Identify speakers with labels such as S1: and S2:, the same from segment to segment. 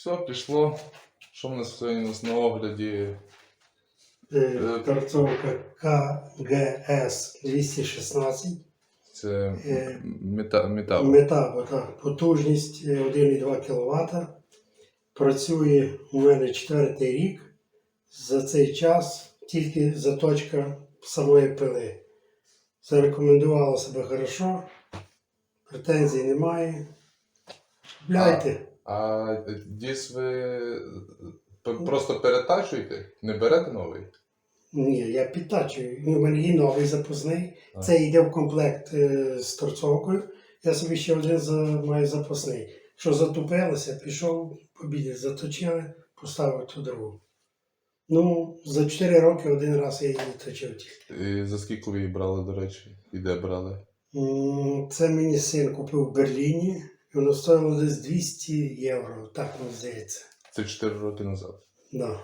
S1: Все, пішло. Що в нас сьогодні на огляді?
S2: Торцовка КГС 216.
S1: Це метал.
S2: Метабо, так. Потужність 1,2 кВт. Працює у мене 4-й рік. За цей час тільки заточка самої пили. Зарекомендувала себе хорошо. Претензій немає. Купляйте.
S1: А дис ви просто перетачуєте? Не берете новий?
S2: Ні, я підтачую. У мене є новий запасний. Це йде в комплект з торцовкою. Я собі ще один маю запасний. Що затупилося, пішов, побіді заточили, поставив ту другу. Ну, за 4 роки один раз я її точив тільки.
S1: І за скільки ви її брали, до речі? І де брали?
S2: Це мені син купив в Берліні. І воно стоїло десь 200 євро, так мені здається.
S1: Це 4 роки назад.
S2: Да.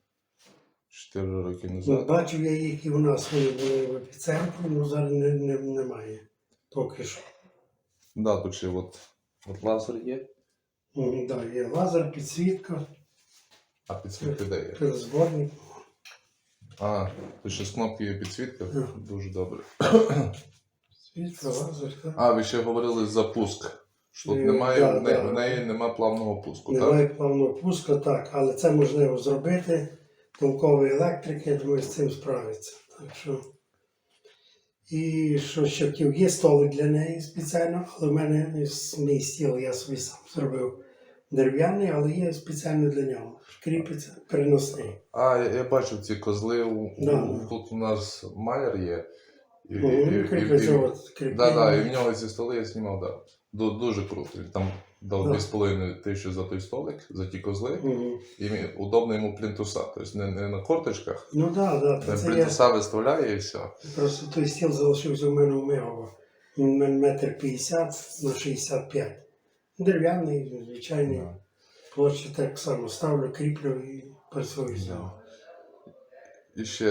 S1: 4 роки назад.
S2: Бачив я їх і у нас вони були в епіцентрі, але зараз немає. Поки що.
S1: Да, тут ще от лазер є.
S2: Да, є лазер, підсвітка,
S1: А підсвітка де є?
S2: перезборник.
S1: А, тут ще з кнопки є підсвітка. Дуже добре.
S2: Підсвітка, лазер, так.
S1: А, ви ще говорили за пуск. Що тут в неї немає плавного пуску, так?
S2: Немає плавного пуска, так, але це можливо зробити. Толковий електрик, я думаю, з цим справиться. Так що... І що ще хотів, є столик для неї спеціально, але в мене мій стіл я собі сам зробив дерев'яний, але є спеціально для нього. Кріпиться, переносний.
S1: А, я бачив ці козли, тут у нас маляр є.
S2: Кріплення.
S1: І в нього ці столи я знімав, да. Дуже круто. Він там дав 2500 за той столик, за ті козли. І удобно йому плінтуса. Тобто не на корточках.
S2: Ну так, так.
S1: Плінтуса виставляє і все.
S2: Просто той стіл залишився у мене у Мигово. Він 1,50 м на 65. Дерев'яний, звичайний. Площу так само ставлю, кріплю і працюю з нього.
S1: І ще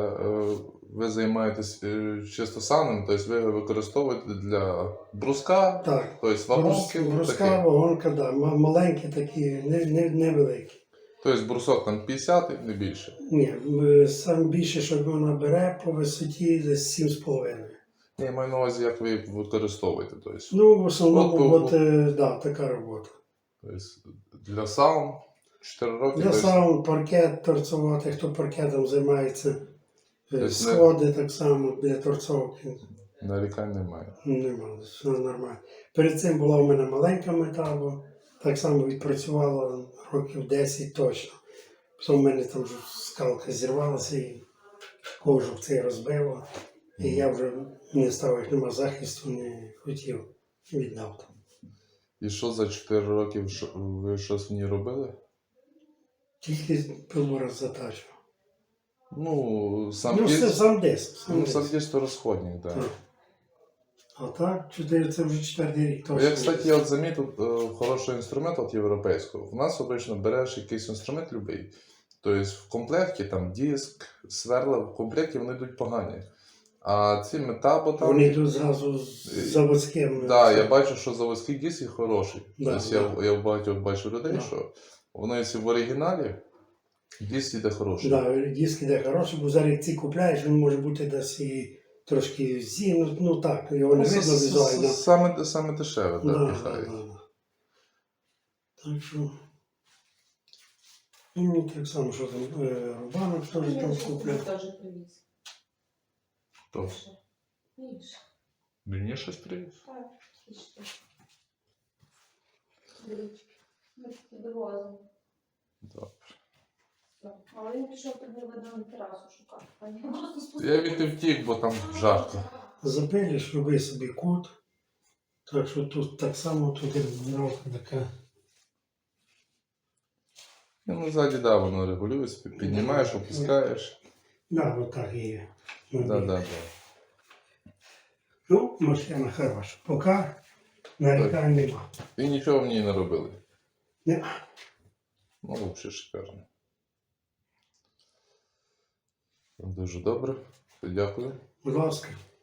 S1: ви займаєтесь чисто сауном, тобто ви його використовуєте для бруска,
S2: так.
S1: Тобто вагонки.
S2: Бруска, вагонка, да. Маленькі такі, невеликі.
S1: Тобто брусок там 50 і не більше?
S2: Ні, саме більше, що вона бере по висоті десь 7,5.
S1: Я маю на увазі, як ви використовуєте. Тобто,
S2: ну, в основному, да, така робота.
S1: Тобто, для саун 4 роки?
S2: Для саун, паркет торцувати, хто паркетом займається. Сходи так само для торцовки.
S1: Нарікань немає?
S2: Немає, все нормально. Перед цим була у мене маленька метабо, так само відпрацювала років 10 точно. Потім в мене там вже скалка зірвалася і кожух цей розбило. І я вже не став, як нема захисту, не хотів, віддав там.
S1: І що за 4 роки ви щось в ній робили?
S2: Тільки пилу раз затачував.
S1: Ну, сам
S2: диск.
S1: Сам диск то розходник, так.
S2: А так, це вже 4-й рік точно.
S1: Я, кстати, замітив хороший інструмент от європейського. В нас обично береш якийсь інструмент любий. Тобто в комплекті там диск, сверла, в комплекті вони йдуть погані. А ці метабо там...
S2: Вони йдуть зразу з заводським.
S1: Так, да, я бачу, що заводський диск є хороший.
S2: Да,
S1: тобто я в багатьох бачу людей, що воно якщо в оригіналі, диск іде хороший.
S2: Так, диск іде хороший, бо зараз як ці купляєш, він може бути десь і трошки ну так, його не видно візуально.
S1: Саме дешеве, так, піхають.
S2: Так що... І мені так само, що там, рубанок теж там купляв.
S1: Хто? Мені щось привіз?
S3: Так, ми такі довозимо.
S1: Добре.
S3: Але він пішов тоді видно на терасу шукати.
S1: Я від втік, бо там жарко.
S2: Запилиш, роби собі кут. Так що тут так само, тут регулювання така.
S1: Ну, ззаді, да, воно регулюється, піднімаєш, опускаєш.
S2: Да, вот так і є.
S1: Да.
S2: Ну, машина хороша. Поки нарікань нема.
S1: І нічого в ній не робили?
S2: Ні.
S1: Ну, взагалі шикарно. Дуже добре. Дякую.
S2: Будь ласка.